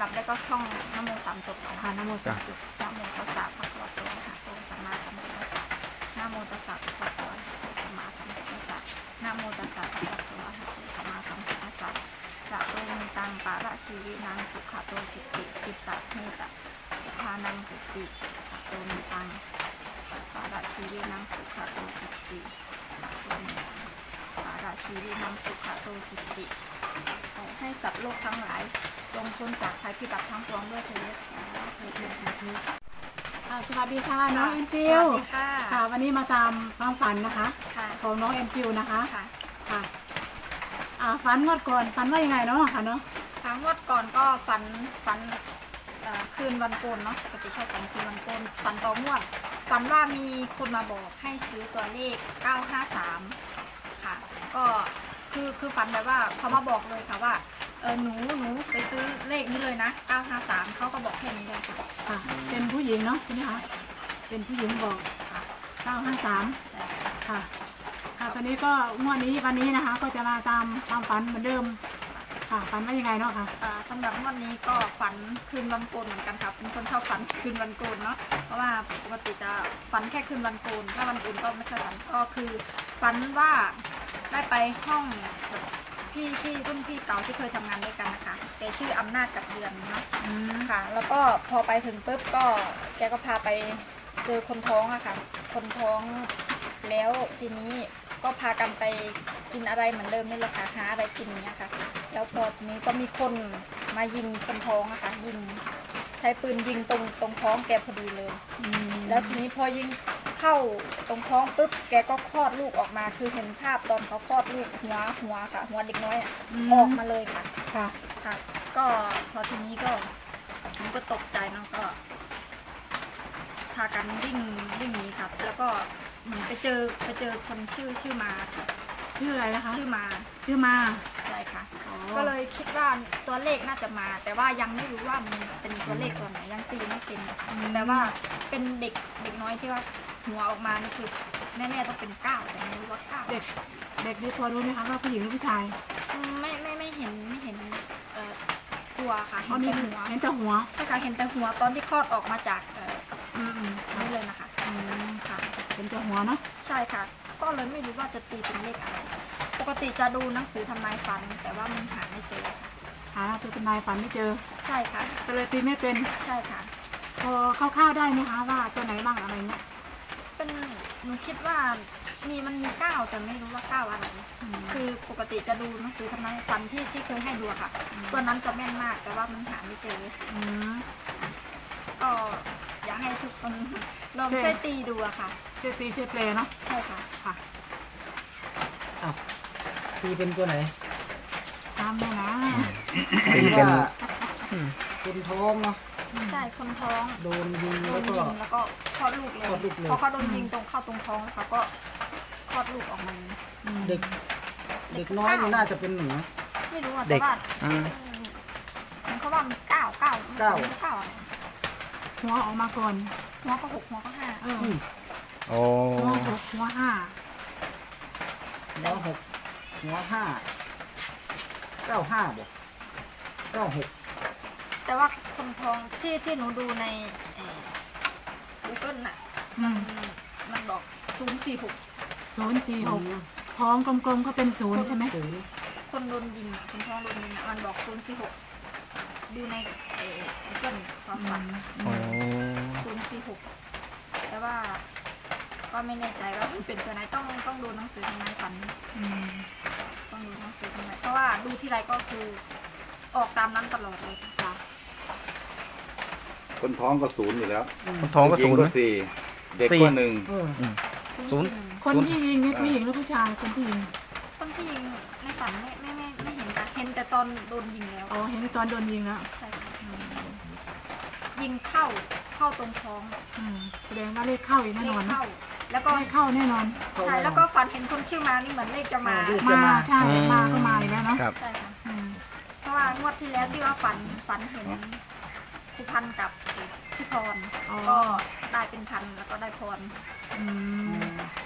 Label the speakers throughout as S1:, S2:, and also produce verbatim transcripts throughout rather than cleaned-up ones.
S1: ดับแรกก็ท่องนะโมสามจบก่อน
S2: ค่ะนะโมสามจบ
S1: นะโมตัสสะภะคะวะโตอะระหะโตสัมมาสัมพุทธัสสะนะโมตัสสะภะคะวะโตอะระหะโตสัมมาสัมพุทธัสสะนะโมตัสสะภะคะวะโตอะระหะโตสัมมาสัมพุทธัสสะจะโตมิตังปะระชีวินังสุขโตจิตติจิตตะเมตตะทานังสุติจะโตมิตังปะระชีวินังสุขโตจิตติจะโตมิตังปะระชีวินังสุขโตจิตติขอให้สัตว์โลกทั้งหลายจงพ้นจากภัยพิบัติทั้งปวงด้วยเถิดสาธุสาธุ
S2: ค่ะสวัสดีค่ะน้องเอ็นฟิว
S1: สวัสดีค่ะ
S2: ค่ะวันนี้มาตามความฝันนะคะ
S1: ค่ะ
S2: ของน้องเอ็นฟิวนะคะ
S1: ค่ะ
S2: ค่ะอ่าฝันงวดก่อนฝันว่ายังไงเนาะค่ะเนาะ
S1: ครั้งงวดก่อนก็ฝันฝันเอ่อคืนวันโกนเนาะปกติชอบฝันคืนวันโกนฝันต่องวดฝันว่ามีคนมาบอกให้ซื้อตัวเลขเก้าห้าสามค่ะก็คือคือฝันแบบว่าเขามาบอกเลยค่ะว่าเออหนูหนูไปซื้อเลขนี้เลยนะเก้าห้าสามเขาก็บอกแค่นี้เลยค่ะ
S2: ค่ะเป็นผู้หญิงเนาะใช่ไหมคะเป็นผู้หญิงบอก
S1: ค่ะ
S2: เก้าห้าสาม
S1: ใช่
S2: ค่ะค่ะตอนนี้ก็งวดนี้วันนี้นะคะ ก็จะมาตามความฝันเหมือนเดิมค่ะฝันว่ายังไงเนาะค่ะ
S1: อ่าสำหรับวันนี้ก็ฝันคืนวันโกนเหมือนกันครับเป็นคนชอบฝันคืนวันโกนเนาะเพราะว่าปกติจะฝันแค่คืนวันโกนถ้าวันอื่นก็ไม่ค่อยฝันก็คือฝันว่าได้ไปห้องแบบพี่พี่รุ่นพี่เก่าที่เคยทำงานด้วยกันนะคะแกชื่ออำนาจกับเดือนเนาะ
S2: อืม
S1: ค่ะ แล้วก็พอไปถึงปุ๊บก็แกก็พาไปเจอคนท้องอะค่ะคนท้องแล้วทีนี้ก็พากันไปกินอะไรเหมือนเดิมนี่แหละค่ะหาอะไรกินเนี้ยค่ะ แล้วพอทีนี้ก็มีคนมายิงคนท้องอะค่ะยิงใช้ปืนยิงตรงตรงท้องแกพอดีเลย
S2: อืม
S1: แล้วทีนี้พอยิงเข้าตรงท้องปุ๊บแกก็คลอดลูกออกมาคือเห็นภาพตอนเขาคลอดลูกหัวหัวค่ะ หัวเด็กน้อยอะออกมาเลยค่ะ
S2: ค่ะ
S1: ค่ะ ก็พอทีนี้ก็ผมก็ตกใจเนาะก็พากันวิ่งวิ่งหนีครับ แล้วก็เหมือนไปเจอไปเจอคนชื่อชื่อมาค่ะ
S2: ชื่ออะไรนะคะ
S1: ชื่อมา
S2: ชื่อมา
S1: ใช่ค่ะ
S2: อ๋อ
S1: ก็เลยคิดว่าตัวเลขน่าจะมา แต่ว่ายังไม่รู้ว่ามันเป็นตัวเลขตัวไหนยังตีไม่เป็นแต่ว่าเป็นเด็กเด็กน้อยที่ว่าหัวออกมานี่คือแน่ๆต้องเป็นเก้าแต่ไม่รู้ว่าเก้า
S2: เด็กเด็กนี่พอรู้ไหมคะว่าผู้หญิงหรือผู้ชาย
S1: อืมไม่ไม่ไม่เห็นไม่เห็นเอ่อตัวค่ะ
S2: อ๋อ
S1: เห็น
S2: นี่
S1: แต่หัว
S2: เห็นแต่หัว
S1: ใช่ค่ะเห็นแต่หัวตอนที่คลอดออกมาจากเอ่อ
S2: อืมอืมค่ะ
S1: นี่เลยนะคะ
S2: อืม
S1: ค่ะ
S2: เห็นแต่หัวเนาะ
S1: ใช่ค่ะ ก็เลยไม่รู้ว่าจะตีเป็นเลขอะไร ปกติจะดูหนังสือทำนายฝัน แต่ว่ามันหาไม่เจอค่ะ
S2: หาสุดนายฝันไม่เจอ
S1: ใช่ค่ะ
S2: ก็เลยตีไม่เป็น
S1: ใช่ค่ะ
S2: พอคร่าวๆได้ไหมคะว่าตัวไหนบ้างอะไรเงี้ย
S1: เป็นหนูคิดว่ามีมันมีเก้าแต่ไม่รู้ว่าเก้าอะไร คือปกติจะดูหนังสือทำนายฝันที่ที่เคยให้ดูอะค่ะ ตัวนั้นจะแม่นมากแต่ว่ามันหาไม่เจอ
S2: อืม
S1: ก็อยากให้ทุกคนลอง
S2: ใช่
S1: ช่วยตีดูอะค่ะ
S2: ช่วยตีช่วยแปลเนาะ
S1: ใช่ค่ะ
S2: ค่ะ
S3: อ้าวตีเป็นตัวไหน
S2: ตามเลยนะ
S3: ตีว่าคนท้องเนาะ
S1: ใช่คนท้อง
S3: โดนยิง
S1: โด
S3: แล้ว
S1: น
S3: ก็
S1: ยิงแล้วก็คลอดลูกเลย
S3: คลอดลูกเลย
S1: พอเขาโดนยิงตรงเข้าตรงท้องเขาก็คลอดลูกออกมา
S2: อืม
S3: เด็ก เด็กน้อยนี่น่าจะเป็นหนู
S1: ไม่รู้อะ
S4: เด็
S1: แต่
S4: ก
S1: ว่า
S4: อืม
S1: มันเขาว่ามันเก้าเก้า
S3: เก้า
S1: เก้าอะไร
S2: หัวออกมาก่อน
S1: หัวก็หกหัวก็ห้า
S2: เออ
S3: อืม
S4: โอ้
S2: หัวหกหัวห้า
S3: หัวหกหัวห้าเก้าห้าบอกเก้าหก
S1: แต่ว่าคนท้องที่ที่หนูดูในกูเกิลน่ะ
S2: อืม
S1: มันบอกศูนย์สี่หก
S2: ศูนย์สี่หกท้องกลมๆก็เป็นศูนย์ใช่ไหม
S3: ศูนย์
S1: คนโดนยิงอะคนท้องโดนยิงอะมันบอกศูนย์สี่หกดูในเอ่อกูเกิลความฝัน
S4: โอ้
S1: ศูนย์สี่หกแต่ว่าก็ไม่แน่ใจว่าเป็นตัวไหนต้องต้องดูหนังสือทำนายฝัน
S2: อืม
S1: ต้องดูหนังสือทำนายเพราะว่าดูที่ไรก็คือออกตามนั้นตลอดเลยค่ะ
S5: คนท้องก็ศูนย์อยู่แล้ว
S4: คนท้องก็ศูนย์
S5: ผู้หญิ
S4: นะ
S5: ก็สี่เด็ก
S4: สี่
S5: ก็หนึ่ง
S3: เออ
S4: ศูนย์
S2: คนที่ยิงนี่ผู้หญิงหรือผู้ชายคนที่ยิง
S1: คนที่ยิงในฝันไม่ไม่ไม่ไม่เห็นค่ะเห็นแต่ตอนโดนยิงแล้ว
S2: อ๋อเห็นตอนโดนยิงแล้ว
S1: ใช่ค่ะยิงเข้าเข้าตรงท้อง
S2: อืมแสดงว่าเลขเข้าอีกแน่
S1: เล
S2: น
S1: ข
S2: อนนะ
S1: เข้า แล้วก็
S2: เลขเข้าแน่นอน
S1: ใช่แล้วก็ฝันเห็นคนชื่อมานี่เหมือนเลขจะมา
S2: มาใช่มาก็มาอีกแล้วเนาะ
S4: ครับ
S1: ใช่ค่ะ
S2: อืม
S1: เพราะว่างวดที่แล้วที่ว่าฝันฝันเห็นครูพันธุ์กับพี่พรก็ได้เป็นพันแล้วก็ได้พร
S2: อืม
S1: แล้ว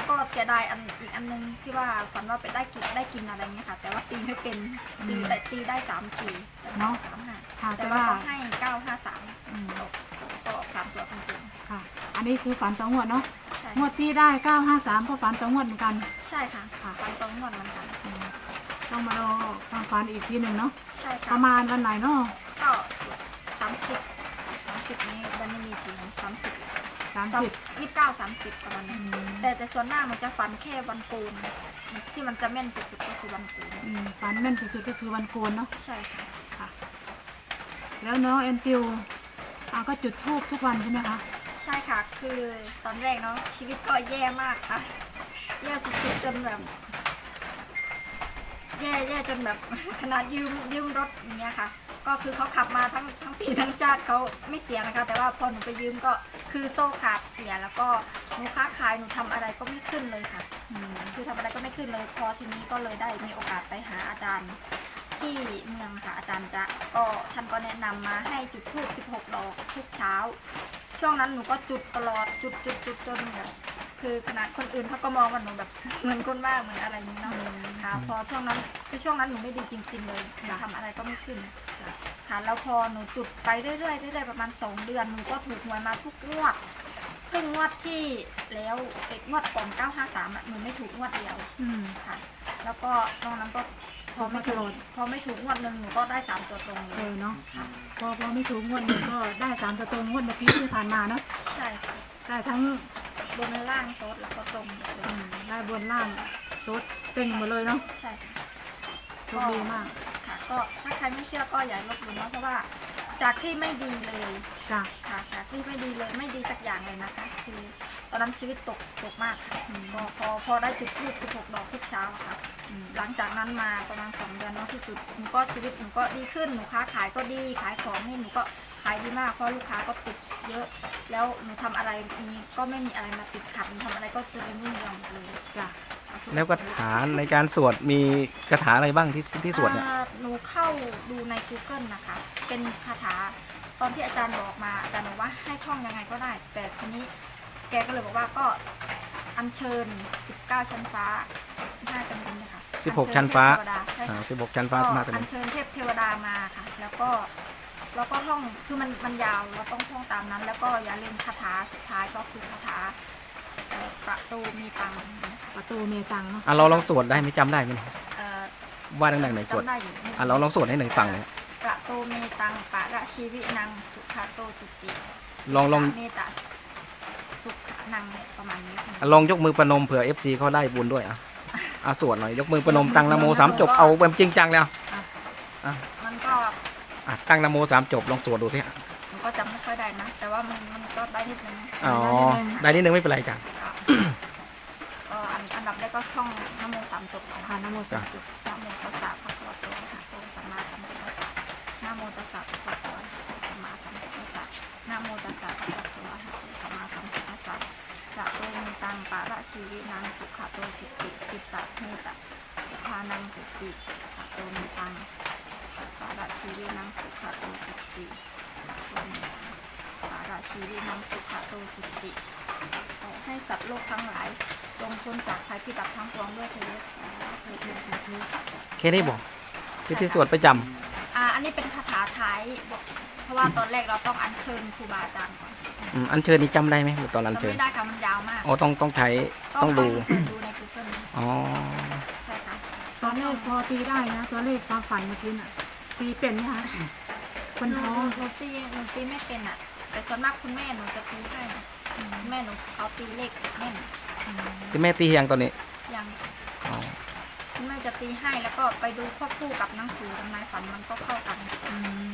S1: แล้วก็เสียดายอันอีกอันนึงที่ว่าฝันว่าไปได้กินได้กินอะไรเงี้ยค่ะ แต่ว่าตีไม่เป็นตีแต่ตีได้สามสี่เนาะสามห้า
S2: ค่ะ
S1: แต่
S2: แต่
S1: ว่า
S2: ว่า
S1: เขาให้เก้าห้าสาม
S2: อืม
S1: ก็สามตัวจริง
S2: ค่ะ อันนี้คือฝันต่องวดเนาะ
S1: ๆใช่
S2: งวดที่ได้เก้าห้าสามก็ฝันต่องวดเหมือนกัน
S1: ใช่ค่ะฝันตรงหมดเหมือนกัน
S2: อืมต้องมารอฟังฝันอีกทีหนึ่งเนาะ
S1: ใช่
S2: ป
S1: ค่ะ
S2: ระมาณวันไหนเนาะ
S1: ก็สามสิบสามสิบนี้วันนี้มีจริงสามสิบ
S2: สามสิบ
S1: ยี่สิบเก้าสามสิบประมาณนี้แต่แต่ส่วนหน้ากมันจะฝันแค่วันโกนที่มันจะแม่นสุดๆก็คือวันโกน
S2: อืมฝันแม่นสุดๆก็คือวันโกนเนาะ
S1: ใช่ค่ะ
S2: ค่ะ แล้วน้องแอนฟิวอ่าก็จุดธูปทุกวันใช่ไหมคะ
S1: ใช่ค่ะ คือตอนแรกเนาะชีวิตก็แย่มากค่ะ แย่สุดๆจนแบบ แย่แย่จนแบบ ขนาดยืมยืมรถอย่างเงี้ยค่ะ ก็คือเขาขับมาทั้งทั้งปีทั้งชาติเขาไม่เสียนะคะ แต่ว่าพอหนูไปยืมก็คือโซ่ขาดเสียแล้วก็หนูค้าขายหนูทำอะไรก็ไม่ขึ้นเลยค่ะ
S2: อืม
S1: คือทำอะไรก็ไม่ขึ้นเลย พอทีนี้ก็เลยได้มีโอกาสไปหาอาจารย์ที่เมืองค่ะอาจารย์จะก็ท่านก็แนะนำมาให้จุดธูปสิบหกดอกทุกเช้า ช่วงนั้นหนูก็จุดตลอดจุดจุดจุดจนแบบคือขนาดคนอื่นเขาก็มองว่าหนูแบบ เหมือนคนบ้าเหมือนอะไรนี้เนาะค่ะพอช่วงนั้นคือช่วงนั้นหนูไม่ดีจริงๆเลยหนูทำอะไรก็ไม่ขึ้นค่ะแล้วพอหนูจุดไปเรื่อยๆเรื่อยๆประมาณสองเดือนหนูก็ถูกหวยมาทุกงวดเพิ่งงวดที่แล้วเอกงวดก่อนเก้าห้าสามอ่ะหนูไม่ถูกงวดเดียว
S2: อืม
S1: ค่ะ แล้วก็ตรงนั้นก็พอไม่ถูกพอไม่ถูกงวดหนึ่งหนูก็ได้สามตัวตรงเล
S2: เอย อเนาะพอพอไม่ถูกงวดหนึ่งก็ได้สามตัวตรงงวดเมื่อกี้ที่ผ่านมาเนาะ
S1: ใช่ค่ะ
S2: ได้ทั้ง
S1: บนล่างโต๊ดแล้วก็ตรงเลย
S2: อืมได้บนล่างรถเต็งหมดเลยเนาะ
S1: ใช่ค่ะ
S2: โชคดีมาก
S1: ค่ะก็ถ้าใครไม่เชื่อก็อย่าลบหลู่เนาะเพราะว่าจากที่ไม่ดีเลย
S2: จ้ะ
S1: ค่ะจากที่ไม่ดีเลยไม่ดีสักอย่างเลยนะคะ คือตอนนั้นชีวิตตกตกมากค่ะพอพอพอได้จุดทูบสิบหกดอกทุกเช้าอะค่ะหลังจากนั้นมาประมาณสองเดือนเนาะที่จุดหนูก็ชีวิตหนูก็ดีขึ้นหนูค้าขายก็ดีขายของนี่หนูก็ขายดีมากเพราะลูกค้าก็ติดเยอะ แล้วหนูทำอะไรนี้ก็ไม่มีอะไรมาติดขัดหนูทำอะไรก็เจริญรุ่งเรืองหมดเลย
S2: จ้ะ
S4: แล้วคาถาในการสวดมีคาถาอะไรบ้างที่ที่สวดเนี่ย
S1: อ่าหนูเข้าดูใน กูเกิล นะคะ เป็นคาถาตอนที่อาจารย์บอกมาอาจารย์บอกว่าให้ท่องยังไงก็ได้ แต่ทีนี้แกก็เลยบอกว่าก็อัญเชิญสิบเก้าชั้นฟ้าน่าจะเป็นนะคะ
S4: สิบหกชั้นฟ้า
S1: อัญเชิญเทพเทวดาใช่
S4: อ่า
S1: ค่ะ
S4: สิบหกชั้นฟ้า
S1: ก็
S4: น่าจะ
S1: อั
S4: เป็
S1: ญ
S4: น
S1: เชิญเทพเทวดามาค่ะ แล้วก็เราก็ท่องคือมันมันยาวเราต้องท่องตามนั้น แล้วก็อย่าลืมคาถาสุดท้ายก็คือคาถาเอ่อประตูมีตังค์นะคะ
S2: ประตูเมตังเนาะ
S4: อ่ะเราลองสวดได้ไหมจำได้ไหม
S1: เอ่อ
S4: ว่าดังๆหน่อยสวด
S1: จำได้อยู่
S4: อ่ะเราลองสวดให้หน่อยฟังหน่อย
S1: ประตูเมตังปะระชีวินังสุขาโตจุติ
S4: ลองลอง
S1: เมตตาสุขนังเนี่ยประมาณนี้ค่ะ
S4: อ่ะลองยกมือประนมเผื่อ เอฟ ซี เขาได้บุญด้วยอ่ะอ่ะสวดหน่อยยกมือประนมตั้งนะโมสามจบเอาแบบจริงจังเลยอ่ะ
S1: มันก็
S4: อ่ะตั้งนะโมสามจบลองสวดดูสิอ่ะ
S1: มันก็จำไม่ค่อยได้นะ แต่ว่ามันมันก็ได้นิดนึงนะ
S4: อ๋อได้นิดนึงไม่เป็นไรจ้ะ
S1: ก็อันอันดับแรกก็ท่องนะโมสามจบก่อน
S2: ค่ะ
S1: ค่ะ
S2: นะโมสามจบ
S1: นะโมตัสสะภะคะวะโตอะระหะโตสัมมาสัมพุทธัสสะนะโมตัสสะภะคะวะโตอะระหะโตสัมมาสัมพุทธัสสะนะโมตัสสะภะคะวะโตอะระหะโตสัมมาสัมพุทธัสสะจะโตมีตังปะระชีวินังสุขโตจิตติจิตตะเมตตาทานังสุติจะโตมีตังปะระชีวินังสุขโตจิตติจะโตมีตังปะระชีวินังสุขโตจิตติขอให้สัตว์โลกทั้งหลายจงพ้นจากภัยพิบัติทั้งปวงด้วยเถิดสาธุสาธุ
S4: แค่นี้บอกที่ที่สวดประจำ
S1: อ่า อันนี้เป็นคาถาท้ายบอกเพราะว่าตอนแรกเราต้องอัญเชิญครูบาอาจารย์ก่อน
S4: อืมอันเชิญนี่จำได้ไหมตอนอัน
S1: จำ
S4: เชิญ
S1: ไม่ได้ค่ะมันยาวมาก
S4: อ๋อต้องต้องใช้ต้องดู
S1: ดูใน กูเกิล
S4: อ๋อ
S1: ใช่ค่ะ
S2: ตอนแรกพอตีได้นะตัวเลขความฝันเมื่อกี้น่ะตีเป็นไหมคะคน
S1: หนู
S2: ท้อง
S1: หนูตีหนูตีไม่เป็นอ่ะ แต่ส่วนมากคุณแม่หนูจะตีให้คุณแม่หนูเขาตีเลขแม่น
S4: ที่แม่ตียังตอนนี้
S1: ยัง
S4: อ๋อ
S1: คุณแม่จะตีให้แล้วก็ไปดูควบคู่กับหนังสือทำนายฝันมันก็เข้ากัน
S2: อืม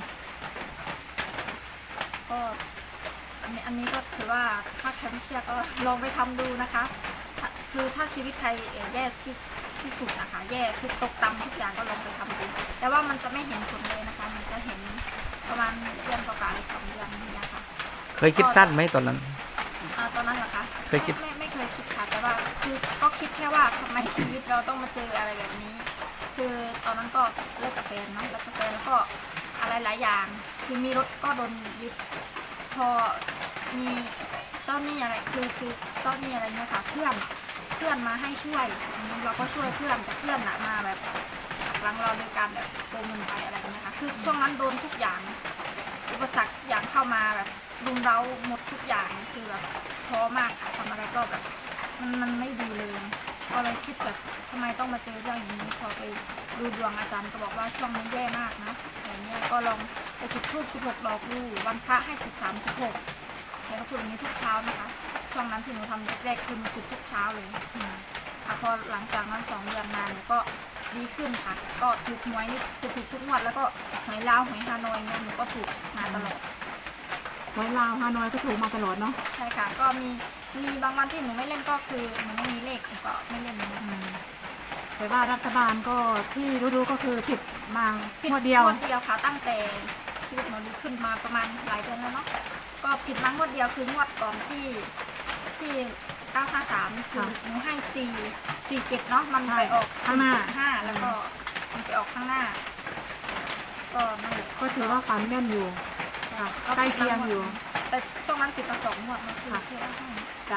S1: ก็อันนี้อันนี้ก็ถือว่าถ้าใครไม่เชื่อก็ลองไปทำดูนะคะถ้าคือถ้าชีวิตใครเอ่อแย่ที่ที่สุดนะคะแย่คือตกต่ำทุกอย่างก็ลองไปทำดูแต่ว่ามันจะไม่เห็นผลเลยนะคะ มันจะเห็นประมาณเดือนกว่าๆหรือสองเดือนนี่นะคะ
S4: เคยคิดสั้นไหมตอนนั้น
S1: เอ่อตอนนั้นเหรอคะ
S4: เคยคิด
S1: ไม่ไม่ไม่เคยคิดค่ะแต่ว่าคือก็คิดแค่ว่าทำไมชีวิตเราต้องมาเจออะไรแบบนี้ คือตอนนั้นก็เลิกกับแฟนเนาะเลิกกับแฟนแล้วก็อะไรหลายอย่างคือมีรถก็โดนยึดพอมีเจ้าหนี้อะไรคือคือเจ้าหนี้อะไรเนี่ยค่ะเพื่อนพื่อนมาให้ช่วยเราก็ช่วยเพื่อนแต่เพื่อนน่ะมาแบบหักหลังเราโดยการแบบโกงเงินไปอะไรอย่างเงี้ยค่ะคือช่วงนั้นโดนทุกอย่างอุปสรรคอย่างเข้ามาแบบรุมเร้าหมดทุกอย่างคือแบบท้อมากค่ะทำอะไรก็แบบมันมันไม่ดีเลยก็เลยคิดแบบทำไมต้องมาเจอเรื่องอย่างนี้พอไปดูดวงอาจารย์ก็บอกว่าช่วงนี้แย่มากนะแต่เนี้ยก็ลองไปจุดธูปสิบหกดอกดูวันพระให้สิบสามสิบหกแล้วก็พูดอย่างนี้ทุกเช้านะคะช่วงนั้นที่หนูทำแรกๆคือหนูจุดทุกเช้าเลยค่ะพอหลังจากนั้นสองเดือนมาเนี่ยก็ดีขึ้นค่ะก็ถูกหวยนี่จะถูกทุกงวดแล้วก็หวยลาวหวยฮานอยเนี่ยหนูก็ถูกมาตลอด
S2: ไว้ลาวฮานอยก็ถูกมาตลอดเนาะ
S1: ใช่ค่ะก็มีมีบางวันที่หนูไม่เล่นก็คือหนูไม่มีเลขหนูก็ไม่เล่น
S2: อืมแต่ว่ารัฐบาลก็ที่รู้ๆก็คือผิดมา
S1: ผิด
S2: งวดเดียว
S1: งวดเดียวค่ะตั้งแต่ชีวิตหนูดีขึ้นมาประมาณหลายเดือนแล้วเนาะก็ผิดมางวดเดียวคืองวดก่อนที่ที่เก้าห้าสามคือหนูให้สี่สี่เจ็ดเนาะมันไปออก
S2: ข้างหน้า
S1: ห้าแล้วก็มันไปออกข้างหน้า ก็นั่นแหละ
S2: ก็ถือว่าฝันแม่นอยู่ค่ะใกล้เคียงอยู่
S1: แต่ช่วงนั้นติดมาสองงวดมันคือที่ว่าให้
S2: จ้ะ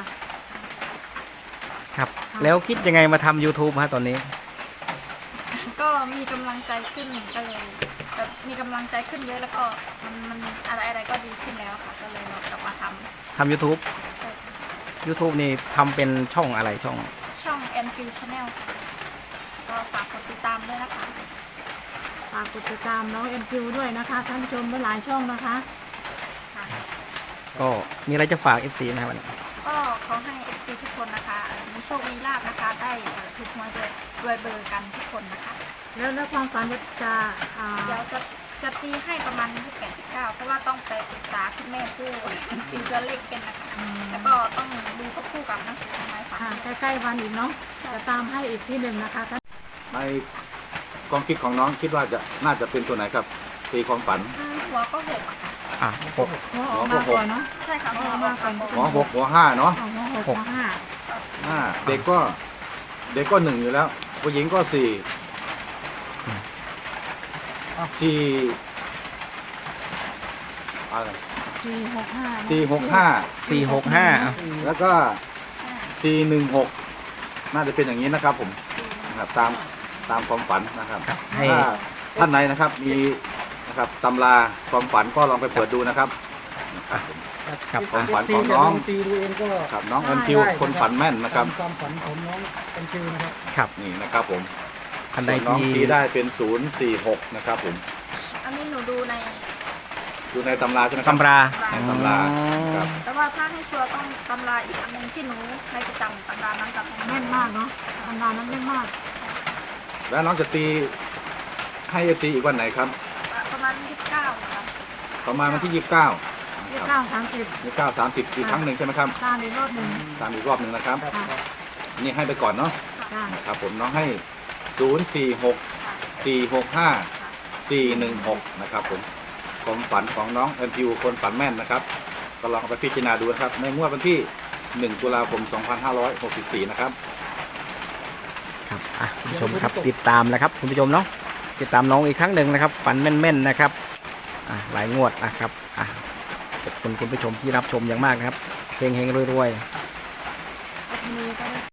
S4: ครับ แล้วคิดยังไงมาทำ YouTube ฮะตอนนี้
S1: ก็มีกำลังใจขึ้นก็เลยแบบมีกำลังใจขึ้นเยอะแล้วก็มันมันอะไรอะไรก็ดีขึ้นแล้วค่ะก็เลยเรากลับมาท
S4: ทำ YouTube
S1: ำใช่ค่ะ
S4: YouTube นี่ทำเป็นช่องอะไรช่อง
S1: ช่อง แอนฟิว Channel ค่ะก็ฝากกดติดตามด้วยนะคะ
S2: ฝากกดติดตามน้องเอ็นคิวด้วยนะคะท่านผู้ชมหลายช่องนะคะ
S1: ค่ะ
S4: ก็มีอะไรจะฝาก เอฟ ซี ไหมครับวันนี้
S1: ก็ขอให้ เอฟ ซี ทุกคนนะคะมีโชคมีลาภนะคะได้เอ่อถูกหวยด้วยด้วยเบอร์กันทุกคนนะคะ
S2: แล้วแล้วความฝันจะอ่า
S1: เดี๋ยวจะจะตีให้ประมาณยี่สิบแปดสิบเก้าเพราะว่าต้องไปปรึกษาคุณแม่ผู้ตีตัวเลขเป็นนะคะแล้วก็ต้องดูควบคู่กับหนังสือทำไมฝัน
S2: ค่ะใกล้ๆวันอีกเนาะจะตามให้อีกที่หนึ่งนะคะท่าน
S5: ในความคิดของน้องคิดว่าจะน่าจะเป็นตัวไหนครับตีความฝัน
S1: อืมหัวก็หกอะค่ะ
S4: อ่ะหก
S2: หัวออกมาก่อนเนาะ
S1: ใช่ค่ะ
S2: หัวออกมาก่อน
S5: หัวหกหัวห้าเนาะ
S2: เอาหัวหกหัวห้า
S5: ห้าเด็กก็เด็กก็หนึ่งอยู่แล้วผู้หญิงก็สี่สี่อะไร
S2: สี่หกห้า
S5: สี่หกห้า
S4: สี่หกห้าอ่ะ
S5: แล้วก็สี่หนึ่งหกน่าจะเป็นอย่างนี้นะครับผมนะครับตามตามความฝันนะครับ
S4: ครับให้
S5: ถ้าท่านไหนนะครับมีนะครับตำราความฝันก็ลองไปเปิดดูนะครับนะครับผม
S4: ครับ
S5: ความฝันของน้อง
S3: ตีดูเองก็
S5: ครับน้องเอ็นคิวคนฝันแม่นนะครับ
S3: ความฝันของน้องเอ็นคิวนะครับ
S4: ครับ
S5: นี่นะครับผม
S4: ท่านใด
S5: น้อง
S4: ที่
S5: ตีได้เป็นศูนย์สี่หกนะครับผม
S1: อันนี้หนูดูใน
S5: ดูในตำราใช่ไหมครับ
S4: ตำรา
S5: ในตำราครับ
S1: แต่ว่าถ้าให้ชัวร์ต้องตำราอีกอันหนึงที่หนูใช้ประจำตำรานั้นกับ
S2: แม่นมากเนาะตำรานั้นแม่นมาก
S5: แล้วน้องจะตีให้เอฟซีอีกวันไหนครับ
S1: ประมาณยี่สิบเก้าค่ะ
S5: ประมาณวันที่ยี่สิบเก้า
S2: ยี่สิบเก้าสามสิบ
S5: ยี่สิบเก้าสามสิบอีกครั้งหนึ่งใช่ไหมครับ
S2: ตามอีกรอบหนึ่ง
S5: ตามอีกรอบหนึ่งนะครับ
S2: ค่ะ
S5: นี่ให้ไปก่อนเนาะ
S2: จ้า
S5: ครับผมน้องให้ศูนย์สี่หกสี่หกห้าสี่หนึ่งหกนะครับผมความฝันของน้องเอ็นคิวคนฝันแม่นนะครับก็ลองเอาไปพิจารณาดูนะครับในงวดวันที่หนึ่งตุลาคมสองพันห้าร้อยหกสิบสี่นะครับ
S4: ครับอ่ะคุณผู้ชมครับติดตามนะครับคุณผู้ชมเนาะติดตามน้องอีกครั้งหนึ่งนะครับฝันแม่นๆนะครับอ่ะหลายงวดนะครับอ่ะขอบคุณคุณผู้ชมที่รับชมอย่างมากนะครับเฮงๆรวยๆ
S2: ทีนี้ก็ได้